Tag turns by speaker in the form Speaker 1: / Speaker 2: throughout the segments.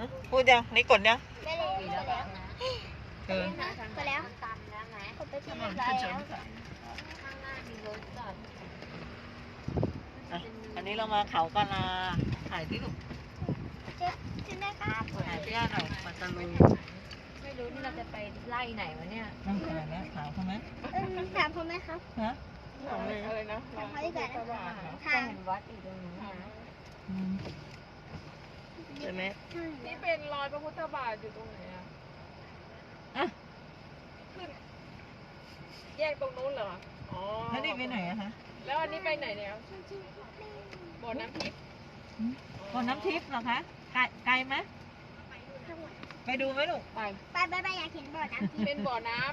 Speaker 1: พูดยังนี่กดยัง
Speaker 2: ไปแล้วไปแล้ว
Speaker 1: เออ
Speaker 2: ไปแล้ว
Speaker 3: ตันแล้วไหม
Speaker 2: กดไปที่เรียบร้อยแล้ว
Speaker 3: ข้างหน้ามีรถจอด
Speaker 1: อันนี้เรามาเขากะลาถ่ายที่ลูก
Speaker 2: เจ๊ใช่ไหมครับ
Speaker 1: ถ่ายที่ย่าหน่อยมาตะลุย
Speaker 3: ไม่รู้นี่เราจะไปไล่ไหนวะเนี่ย
Speaker 1: นั่งถ่ายนะถามเขาไหม
Speaker 2: ถามเขาไหมครับ
Speaker 1: ฮะ
Speaker 2: ถามเขาดีกว่านะ
Speaker 3: ทา
Speaker 2: ทาง ง
Speaker 3: วัดอยู่ตรงนู้นนะ
Speaker 1: ใช่ไหม
Speaker 4: นี่เป็นรอยพระพุทธบาทอยู่ตรงไหนอ่ะ
Speaker 1: อ่ะ
Speaker 4: ขึ้นแยกตรงนู้นเหรอ อ๋อ
Speaker 1: แล้วนี่ไปไหนอะคะ
Speaker 4: แล้วอันนี้ไปไหนเนี่ยบ่อน้ำทิพย์
Speaker 1: บ่อน้ำทิพย์เหรอคะไกลไหมไปดูไหมลูก
Speaker 3: ไป
Speaker 2: ไปอยากเห็นบ่อน้ำที่
Speaker 4: เป็นบ่อน้ำ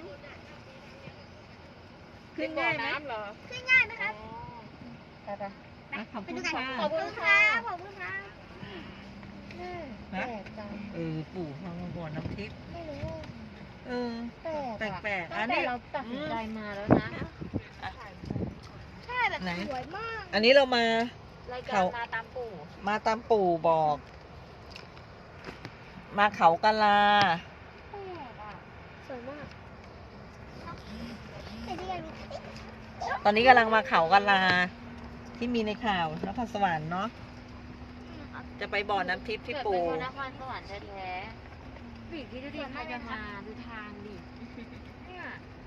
Speaker 1: ขึ้น
Speaker 4: บ่อ
Speaker 1: ง่ายไหม
Speaker 4: น้ำเหรอ
Speaker 2: ขึ้นง่ายไหมครับ
Speaker 4: อ๋อ
Speaker 3: ไปไป
Speaker 1: อ่ะขอบ
Speaker 2: ไป
Speaker 1: คุณ
Speaker 2: ดูกัน
Speaker 1: ค่ะ
Speaker 2: ขอบคุณครับขอบคุณครับ
Speaker 3: แปลกจัง
Speaker 1: ปู่ทางบ่อน้ำทิพย์
Speaker 3: ไม่รู้
Speaker 1: เออ
Speaker 3: แปลก
Speaker 1: แปลกๆอั
Speaker 3: ตั้
Speaker 1: น
Speaker 3: งแต่
Speaker 1: นี้
Speaker 3: เราตัดสินใจมาแล้วนะ
Speaker 2: ใช่แบบสวยมาก
Speaker 1: อันนี้เรามา
Speaker 3: รายการมาตามปู่
Speaker 1: มาตามปู่บอก มาเขากะลา
Speaker 3: แปลกอ่ะ
Speaker 2: สวยมากไปที่กัน
Speaker 1: ตอนนี้กำลังมาเขากะลา ที่มีในข่าวนครสวรรค์เนาะจะไปบ่อน้ำทิพย์ที่
Speaker 3: เกิด
Speaker 1: ปู่
Speaker 3: เป็นคนนครสวรรค์แท้ๆบีที่ดูดิใครจะมาดูทางดิเนี่ย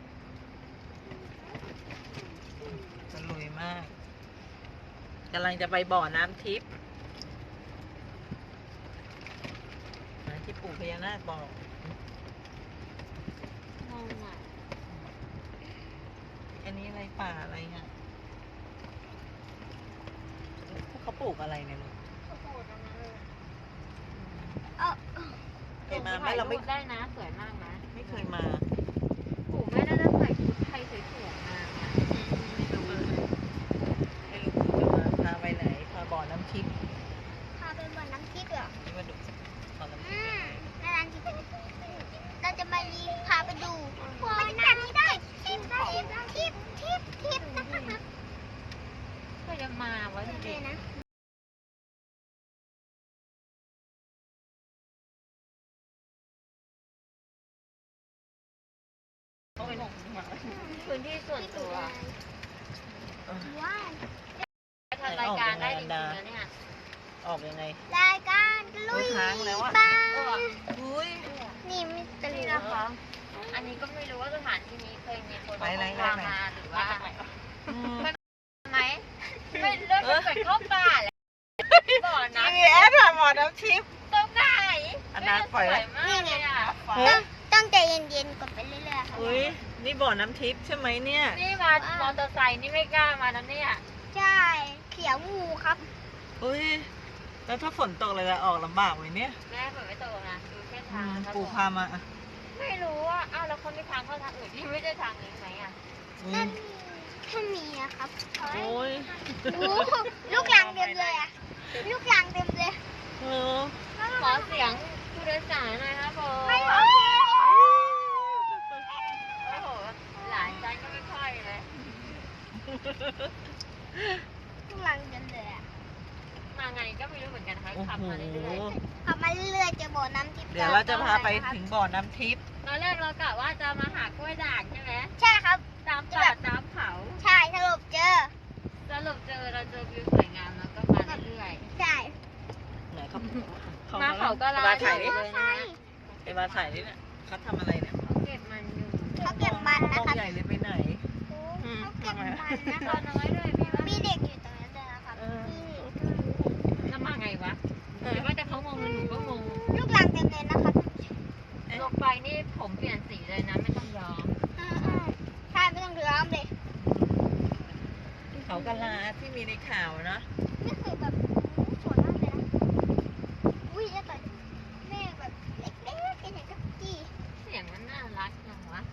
Speaker 1: สลุยมากกำลังจะไปบ่อน้ำทิพย์ที่ปู่พญานาคบอก
Speaker 3: งงอ่ะ
Speaker 1: อันนี้อะไรป่าอะไรเงี้ยเขาปลูกอะไรเนี่ยลูก เคยมาไหมเราไม่
Speaker 3: ได้นะสวยมากนะ
Speaker 1: ไม่เคยมา
Speaker 3: ปู่แม่น่าจะใส่ชุดไทยสวยๆมาเนี่ย
Speaker 1: ไม่รู้ปู่จะมาพาไปไหนพาบ่อน้ำทิพย์
Speaker 2: พาไปบ่อน้ำทิพย์เหรอ
Speaker 1: นี่มาดูบ่อน้ำทิพย์
Speaker 2: น่ารักจริงเราจะมารีพาไปดูบรรยากาศที่ได้ทิพย์นะครับ
Speaker 3: ก็จะมาไว้
Speaker 2: โอเค
Speaker 3: เด็ก
Speaker 2: นะ
Speaker 3: พื้นที่ส่วนตัว
Speaker 2: ว้าว
Speaker 3: ทำรายการได้จริงๆนะเนี่ย
Speaker 1: ออกยังไง
Speaker 2: รายการลุย
Speaker 1: ค้างแล้วอะ
Speaker 2: บ้า
Speaker 1: อุ้ย
Speaker 2: นี่มิสเตอ
Speaker 3: นี่
Speaker 2: รี่
Speaker 3: นะ
Speaker 2: นะคะ
Speaker 3: คะ อันนี้ก็ไม่รู้ว่าสถานที่นี้เคยมีคน
Speaker 1: ไปไหน
Speaker 3: พามาหรือว่า
Speaker 1: อืม
Speaker 3: ไหมไม่เลือกจะเปิดเข้าป่าแหละบ่อนะ
Speaker 1: นี่แอดผ่านบ่อน้ำทิพย์
Speaker 3: ตรงไหน
Speaker 1: อันนั้นปล่อยไว้
Speaker 3: มากเลยอ่ะ
Speaker 2: ต้องใจเย็นๆกดไปเรื่อยๆค่ะ
Speaker 1: อุ้ยนี่บ่อน้ำทิพย์ใช่ไหมเนี่ย
Speaker 3: นี่มามอเตอร์ไซค์นี่ไม่กล้ามาแล้วเนี่ย
Speaker 2: ใช่เขียวงูครับ
Speaker 1: อุ้ยแล้วถ้าฝนตกเลยจะออกลำบากไหมเนี่ย
Speaker 3: แม่เปิดไม่ตรงนะดูเส้นทางนะครับ
Speaker 1: ปู่พามาอ่ะ
Speaker 3: ไม่รู้ว่าอ้าวแล้วคนมีทางเข้าทางอื่นที่ไม่ได้ทางนี้ไหมอ่ะ
Speaker 1: อุ้
Speaker 2: นั่
Speaker 1: ย
Speaker 2: นถ้ามีนะครับ
Speaker 1: โอ้ย
Speaker 2: โอ้ลูกหลังเต็มเลยอะลูกหลังเต็มเลย
Speaker 1: เออ
Speaker 3: ขอเสียงผู้โดยสารหน่อยครับผม
Speaker 2: ไม่โอ
Speaker 3: โอ้โหหลานใจก็ไม่ค่อยเลย
Speaker 2: ลูกหลังเต็มเลยอะ
Speaker 3: มาไงก็ไม่รู้เหมือนกันค่ะ
Speaker 1: โอ้
Speaker 3: ขับ
Speaker 1: โห
Speaker 3: มาเรื่อย
Speaker 2: ขับมาเรื่อยๆเจะบ่อน้ำทิพย์
Speaker 1: เดี๋ยวเราจะพาไปถึงบ่อน้ำทิพย์
Speaker 3: ๆตอนแรกเรากะว่าจะมาหากล้วยด่างใช่ไหม
Speaker 2: ใช่ครับ
Speaker 3: ตามป่าตามเขา
Speaker 2: ใช่สรุปเจอ
Speaker 3: สรุปเราเจอวิวสวยงามแล้วก็มาเรื่อย
Speaker 2: ใช่
Speaker 1: ไหนเขา
Speaker 3: ๆมาเขาก็ลา
Speaker 1: มาถ่ายดิ
Speaker 3: เลยนะ
Speaker 1: ไอ้มาถ่ายดิเนี่ยเขาทำอะไรเนี่ย
Speaker 3: เขาเก็บมันอยู่
Speaker 2: เขาเก็บมัน
Speaker 1: ม
Speaker 2: นะ
Speaker 1: อง
Speaker 2: ครับ
Speaker 1: ใหญ่เลยไปไหน
Speaker 2: เขาเก็บมันนะค
Speaker 3: ตั
Speaker 2: รั
Speaker 3: ว
Speaker 2: บ
Speaker 3: น้อยด้วยมีว่า
Speaker 2: มีเด็กอยู่ตรงนั้นด้วยนะครับ
Speaker 3: แล้วมาไงวะหรือว่าแต่เขางงหนูก็งง
Speaker 2: ลูกหลังเต็มเลยนะครับ
Speaker 3: ลงไปนี่ผมเปลี่ยนสีเลยนะไม่ต้องยอม
Speaker 2: ใช่ไม่ต้องร้องเลย
Speaker 1: เขากะลาที่มีในข่าวนะ
Speaker 2: นี่คือแบบสวยมากเลยนะอุ้ยแล้วก็แม่แบบเล็กๆเป็นอย่างกับกี้
Speaker 3: เสียงมันน่ารักจังวะ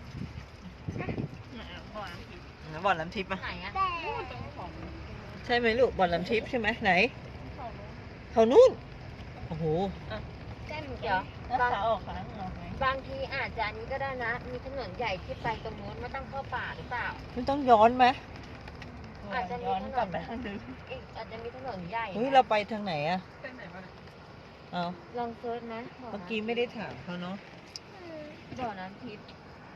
Speaker 1: บ่อน้ำทิพย์ปะ
Speaker 3: ไหนอะ
Speaker 2: แต่
Speaker 1: ใช่ไหมลูกบ่อน้ำทิพย์ใช่ไหมไหนเขานู่นโอ้โห
Speaker 2: แก้มหนู
Speaker 3: เดี๋ยว
Speaker 1: แล้วขาออกขาออกไหม
Speaker 3: บางทีอาจจะอันนี้ก็ได้นะ มีถนนใหญ่ที่ไปตรงนู้นไม่ต้องเข้าป่าหรือเปล่า
Speaker 1: ไม่ต้องย้อนไหม
Speaker 3: อาจจะมี
Speaker 1: ย้อน
Speaker 3: ถนน
Speaker 1: กลับไปทางเดิม
Speaker 3: อีกอาจจะมีถนนใหญ่
Speaker 1: เฮ้ยเราไปทางไหนอะ
Speaker 4: เป็นไหนวะ
Speaker 1: ฮเอา
Speaker 3: ลองเซิร์ชไหม
Speaker 1: เมื่อกี้ไม่ได้ถามเขาเนาะ
Speaker 3: บ่อน้ำทิพย์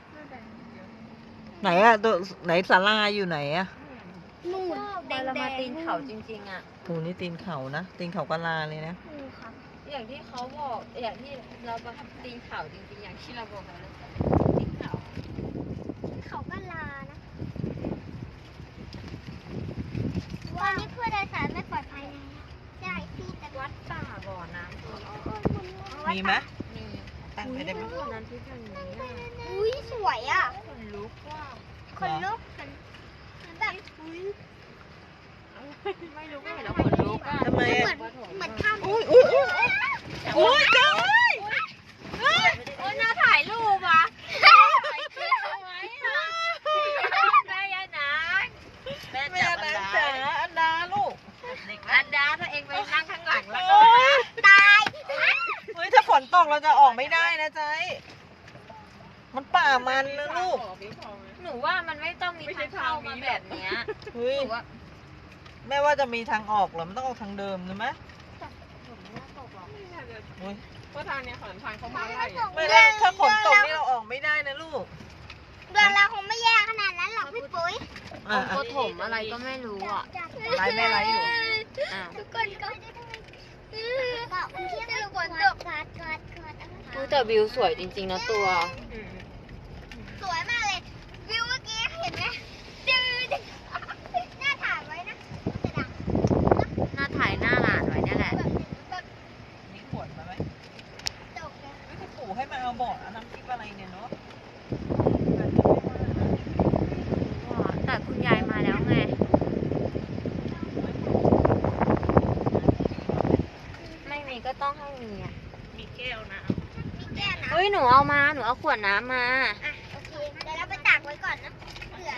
Speaker 1: ไหนอะตัวไหนศาลาอยู่ไหนอะ
Speaker 2: นู่น
Speaker 3: พอเรามาตีนเขาจริงๆอ่ะ
Speaker 1: โหนี่ตีนเขานะตีนเขากะลาเลยนะ
Speaker 2: นู่นครับ
Speaker 3: อย่างที่เขาบอก อย่างที่เราประทับตีนเขาจริงๆ อย่างที่เราบอกกันแล้วตีนเขา
Speaker 2: เขาก็ลานะวันนี้ผู้โดยสารไม่ปลอดภัยนะใช่พี่แต่
Speaker 3: วัดป่าบ่อน้ำทิพย์
Speaker 1: มีไหม
Speaker 3: มี
Speaker 1: ตั้งไปได้ไหม
Speaker 3: บ่อน้ำทิพย์อย่างนี้อะ
Speaker 2: อุ้ยสวยอ่ะ
Speaker 3: คนลุกว่า
Speaker 2: คนลุกคนแบบอุ้ย
Speaker 3: ไม่รู้ว่าเห็นแล้วคนลุกอ่ะ
Speaker 1: ทำไม
Speaker 2: เหมื
Speaker 1: อะ
Speaker 2: อนเหมือนข้าม
Speaker 1: อุ้ยอุ้ยอุ้ยอุ้ยจ้า
Speaker 3: โอ้ยน่าถ่ายรูปอ่ะถ่ายคลิปเอาไว้อ่ะแม่ยายนางแม่
Speaker 1: แม่
Speaker 3: จับ
Speaker 1: นาง
Speaker 3: อั
Speaker 1: จ๋าน
Speaker 3: ดา
Speaker 1: อันดาลูก
Speaker 3: อันดาถ้าเองไปนั่งข้างหลังแล้วก็
Speaker 1: โอ้ย
Speaker 2: ตาย
Speaker 1: เฮ้ยถ้าฝนตกเราจะออกไม่ได้นะใจมันป่ามันนะลูก
Speaker 3: หนูว่ามันไม่ต้องมีทางเข้ามาแบบเนี้ย
Speaker 1: เฮ้ย
Speaker 3: หนูว่า
Speaker 1: แม่ว่าจะมีทางออกเหรอมันต้องออกทางเดิมใช่ไหม
Speaker 3: ฝนไม่น่าตกหรอก
Speaker 1: เฮ้ย
Speaker 4: เพราะทางเนี้ยขนทางเขามาไล่อะ
Speaker 1: ไม่ได้ถ้าฝนตกนี่เราออกไม่ได้นะลูก
Speaker 2: เดือนเราคงไม่แย่ขนาดนั้นหรอกพี่ปุ้ย
Speaker 1: อ่ะ
Speaker 3: โคถมอะไรก็ไม่รู้อ่ะ
Speaker 1: ไลฟ์แม่ไลฟ์อยู่
Speaker 3: อ้าว
Speaker 2: ทุกคนก็บอกที่จะฝนตกกอด
Speaker 3: อุ๊ยแต่วิวสวยจริงๆนะตัว
Speaker 2: สวยมากเลย วิวเมื่อกี้เห็นไหมดื้อหน้าถ่ายไว้นะจะดัง
Speaker 3: หน้าถ่ายหน้าหลานไว้เนี่ยแหละ
Speaker 2: แบบ
Speaker 1: มีขวดมาไหม
Speaker 2: ตกเลย
Speaker 1: ไม่จะปู่ให้มาเอาบอร์ดเอาน้ำพริกอะไรเนี่ยเนาะ
Speaker 3: แต่คุณยายมาแล้วไง ไม่มีก็ต้องให้มีอ่ะ
Speaker 1: มีแก้วนะ
Speaker 2: มีแก้วนะ
Speaker 3: เฮ้ยหนูเอามา หนูเอาขวดน้ำมา
Speaker 2: อ่ะโอเคเดี๋ยวเราไปตากไว้ก่อนนะเผื่อ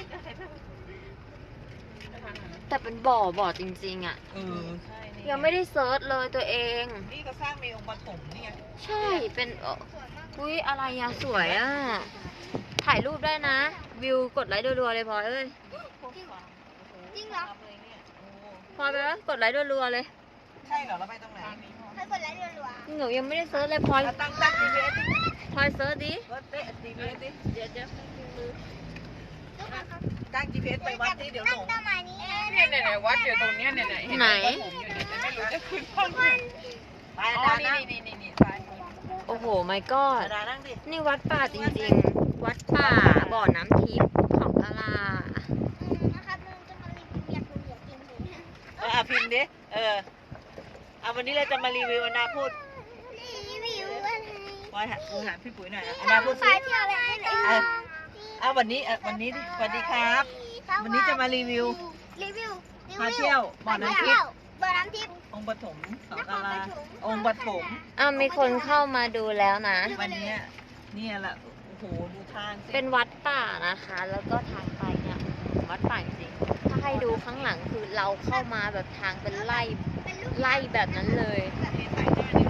Speaker 3: แต่เป็นบ่อจริงๆอ่ะ
Speaker 1: เออใช่นี่
Speaker 3: ยังไม่ได้เซิร์ชเลยตัวเอง
Speaker 1: นี่ก็สร้างในองค์ปฐมนี่ไง
Speaker 3: ใช่ เป็น
Speaker 2: สวยมาก
Speaker 3: อุ้ยอะไรอะสวยอะถ่ายรูปได้นะ วิวกดไลค์รัวๆเลยพลอยเอ้ย
Speaker 2: จริงเหรอ
Speaker 1: เลยเนี่ยโอ้
Speaker 3: พลอยไปแล้วกดไลค์รัวๆเลย
Speaker 1: ใช่เหรอเราไปตรงไหน
Speaker 2: เคยกดไลค์รัว
Speaker 3: หนูยังไม่ได้เซิร์ชเลยพลอย
Speaker 1: เอาตั้ง GPS ดิ
Speaker 3: พลอยเซิร์ชดิ
Speaker 1: วัดเป๊ะ GPS ดิ
Speaker 3: เดี๋ยว
Speaker 2: ๆทุกคนครับ
Speaker 1: ตั้ง GPS ไปวัดดิเดี๋ยวหลง
Speaker 2: ตั้งประมาณนี้
Speaker 4: เนี่ยวัดอยู่ตรงเนี้ยเนี่ยเห็นไหมว่าผมอยู่เนี่ยแต่ไม่รู้จะขึ้นห้องไหน
Speaker 1: ไป
Speaker 4: อ๋
Speaker 1: อา
Speaker 4: อ
Speaker 1: จารย์
Speaker 4: นี่
Speaker 1: นั่ง
Speaker 4: นี่ซ้ายมือ
Speaker 3: โอ้โหไม่ก็อด
Speaker 1: อาจารย์นั่งดิ
Speaker 3: นี่วัดป่าจริงๆ วัดป่าบ่อน้ำทิพย์เขากะลา
Speaker 2: นะครับเราจะมารีวิวอยากดูอยากกินหมูนะ
Speaker 1: พิมพ์ดิเอาวันนี้เราจะมารีวิวอนาพูด
Speaker 2: รีวิวอะไร
Speaker 1: พอยหาพี่ปุ๋ยหน่อยอนาพูดสิ
Speaker 2: ฟ้าเที่ยวอะไรไม่ได้
Speaker 1: วันนี้ดิสวัสดีครับ วันนี้จะมารีวิว
Speaker 2: รีวิว
Speaker 1: พาเที่ยวบ่อน้ำทิพย์
Speaker 2: บ่อน้ำทิพย์
Speaker 1: องค์ปฐมสอกาลาองค์ปฐม
Speaker 3: อ้าวมีคนเข้ามาดูแล้วนะ
Speaker 1: วันนี้เนี่ยแหละโอ้โหดูทางสิ
Speaker 3: เป็นวัดป่านะคะ แล้วก็ทางไปเนี่ยวัดป่าจริงๆถ้าให้ดูข้างหลังคือเราเข้ามาแบบทางเป็นไล่แบบนั้นเลย
Speaker 1: นี่ถ่ายหน้าดิ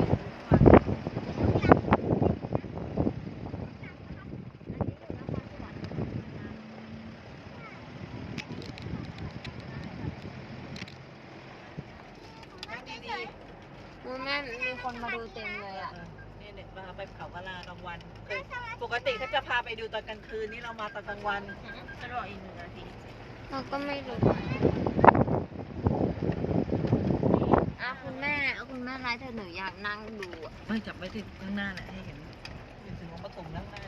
Speaker 1: นั่งดี
Speaker 3: อุ๊ยแม่มีคนมาดูเต็มเลยอ่ะ
Speaker 1: เนี่ยมาไปเขากะลากลางวันปกติเขาจะพาไปดูตอนกลางคืนนี่เรามาตอนกลางวันจะรออีก1 นาที
Speaker 3: เราก็ไม่รู้คุณแม่ไลฟ์เธอหนูอยากนั่งดูอะ
Speaker 1: ไม่จับไว้ที่ข้างหน้าแหละให้เห็นถึงองค์ปฐมด้านหน้า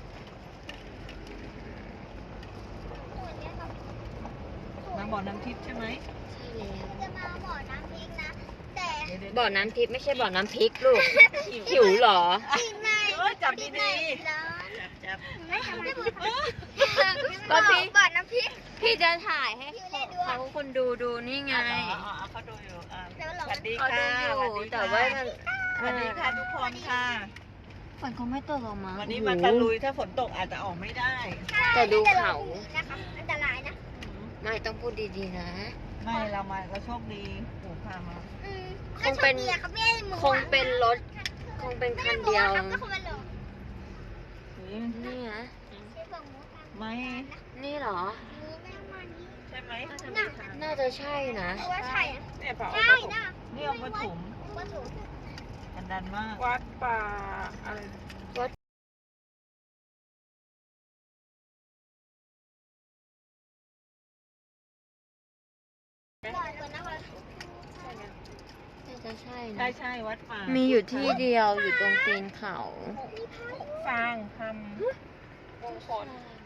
Speaker 1: มาบ่อน้ำทิพย์ใช่ไหม
Speaker 3: ใช่แล้ว
Speaker 2: จะมาบ่อน้ำพริกนะ แต่
Speaker 1: เดี๋ยว
Speaker 3: บ่อน้ำทิพย์ไม่ใช่บ่อน้ำพริกลูก หิวเหรอ
Speaker 2: ปีใน
Speaker 1: จับดี
Speaker 2: ร้อน
Speaker 1: ๆจับ
Speaker 2: ไม่ทำให้บุญ
Speaker 3: ก็พี่
Speaker 2: บ่อน้ำพริก
Speaker 3: พี่จะถ่ายให้เขาคนดูนี่ไง
Speaker 1: เขาดูอยู่
Speaker 2: แล้ว
Speaker 1: ส
Speaker 2: เรา
Speaker 1: วัสดี
Speaker 3: เขา
Speaker 1: ค่ะ
Speaker 3: ดูอยู่แต่ว่ามัน
Speaker 1: สวัสดีค่ะทุกคนค่ะ
Speaker 3: ฝนคงไม่ตกหรอกมั้ง
Speaker 1: วันนี้มาตะลุยถ้าฝนตกอาจจะออกไม่ได้
Speaker 3: แต่ดูเขา
Speaker 2: นะคะอันตรายนะ
Speaker 3: ไม่ต้องพูดดีๆนะ
Speaker 1: ไม่เราโชคดีปู่พามา
Speaker 3: คงเป็น
Speaker 2: เขาไม่ได้หมู
Speaker 3: คงเป็นรถ คงเป็นคันเดียว
Speaker 2: ก็คงเป็นหลง
Speaker 3: นี่นะ
Speaker 2: ชื่อบอกหมูตาม
Speaker 1: ไม่
Speaker 3: นี่เหรอ
Speaker 2: นี้ไม่ต้องมานี้
Speaker 1: ใช่ไหม
Speaker 3: น่าจะใช่นะ
Speaker 2: เพราะว่าใช่อะ
Speaker 4: เนี่ยเปล่า
Speaker 2: ใช่นะ
Speaker 1: นี่องค์ปฐม
Speaker 2: ว่าถูก
Speaker 1: อันดันมาก
Speaker 4: วัดป่าอะไร
Speaker 2: ก่อนนะคะ
Speaker 3: น่าจะใช่
Speaker 1: ใช่
Speaker 3: นะ
Speaker 1: ใช่วัดป่า
Speaker 3: มีอยู่ที่เดียวอยู่ตรงตีนเขา
Speaker 4: ฟางทำมงคล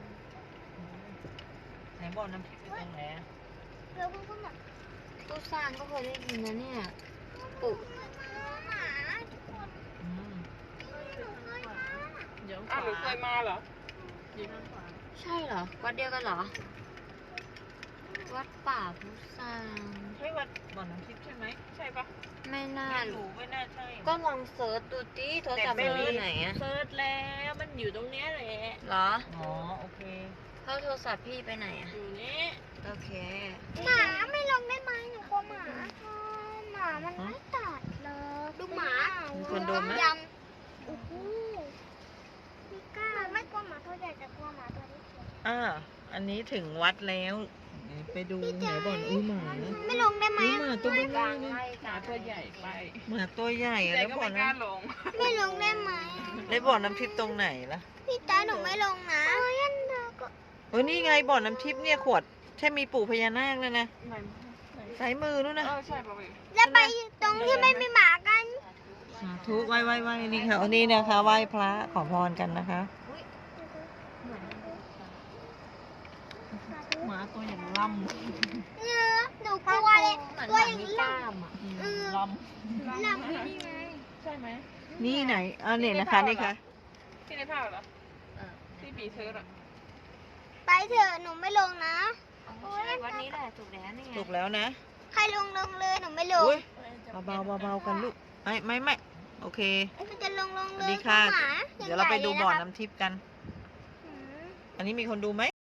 Speaker 1: ไหนบ่อน้ำพริกอยู่ตรงไหนอะ
Speaker 2: แล้วคุณก็มา
Speaker 3: ตู้สร้างก็เคยได้ยินนะเนี่ยปลูก
Speaker 2: หมาทุกคน
Speaker 1: อืม
Speaker 2: หนูเคยมา
Speaker 1: เดี๋ยว
Speaker 4: อ้าวหนูเคยมาเหรอ
Speaker 3: ใช่เหรอ วัดเดียวกันเหรอ วัดป่าพุทราง
Speaker 1: ใช่วัดบ่อน้ำพริกใช่ไหม
Speaker 4: ใช่ปะ
Speaker 3: ไม่น่า
Speaker 1: ไม่รู้ไม่น่าใช่
Speaker 3: ก็ลองเซิร์ชดูดิโทรศัพท์มันอยู่ไหนอะ
Speaker 1: เซิร์ชแล้วมันอยู่ตรงเนี้ยแหละ
Speaker 3: เหรอ
Speaker 1: อ๋อโอเค
Speaker 3: เขาโทรศัพท์พี่ไปไหนอะ
Speaker 1: อยู่นี่
Speaker 3: โอเค
Speaker 2: หมาไม่ลงได้ไหมหนูกลัวหมาหมามันไม่ตัดเลยดูหมา
Speaker 1: มีคนโดนไหม
Speaker 2: ยำโอ้โหพี่ก้าไม่กลัวหมาตัวใหญ่แต่กลัวหมาตัวเล็ก
Speaker 1: อันนี้ถึงวัดแล้วไปดูไหนบ่อนอุ้ยหมา
Speaker 2: ไม่ลงได้ไหม
Speaker 1: อุ้ยหมาตัวเบลอเลย
Speaker 4: หมาตัวใหญ่ไป
Speaker 1: หมาตัวใหญ่
Speaker 4: ใจ
Speaker 1: แล้ว
Speaker 4: ก็
Speaker 1: บ่อ
Speaker 4: ไม่กล้า
Speaker 1: น้ำ
Speaker 4: ลง
Speaker 2: ไม่ลงได้ไหม
Speaker 1: ได้บ่อน้ำทิพย์ตรงไหนล่ะ
Speaker 2: พี่ตาหนูไม่ลงนะเฮ้ยอันเดอร์ก็
Speaker 1: เฮ้ยนี่ไงบ่อน้ำทิพย์เนี่ยขวดใช่มีปู่พญานาคเลยนะ
Speaker 4: ไหน
Speaker 1: สายมือนู่นนะ
Speaker 4: ใช่ปะเว้ย
Speaker 2: แล้วไปตรงที่ไม่มีหมากัน
Speaker 1: สาธุไหว้นี่ค่ะอันนี้นะคะไหว้พระขอพรกันนะคะหมาตัวอย่างล่ำ
Speaker 2: เนื้อหนูกลัวเลย
Speaker 3: เหมือน
Speaker 2: ตัว
Speaker 3: หมา
Speaker 2: อย่าง
Speaker 3: มี
Speaker 2: นี้
Speaker 3: กล้ามอะ
Speaker 1: ล่
Speaker 2: หลับนี่ไง
Speaker 4: ใช่ไหม
Speaker 1: ำนี่ไหนเนี่ยนะคะนี่ค่ะ
Speaker 4: ที่ในภาพเหรอ
Speaker 3: เออ
Speaker 4: ที่ปีเชิร์ตอะ
Speaker 2: ไปเถอะหนูไม่ลงนะ
Speaker 3: อ๋อใช่วัดนี้แหละถูกแล้วนี่ไง
Speaker 1: ถูกแล้วนะ
Speaker 2: ใครลงเลยหนูไม่ลง
Speaker 1: อุ้ยเบาๆกันลูกไม่โอเค
Speaker 2: มันจะลง
Speaker 1: ส
Speaker 2: เล
Speaker 1: วัส
Speaker 2: ย
Speaker 1: ดีค่ะ
Speaker 2: หมา
Speaker 1: เดี๋ยวเราไปดูบ่อ
Speaker 2: ใหญ่ๆลยะครับ
Speaker 1: น้ำทิพย์กัน
Speaker 2: อืม
Speaker 1: อันนี้มีคนดูไหม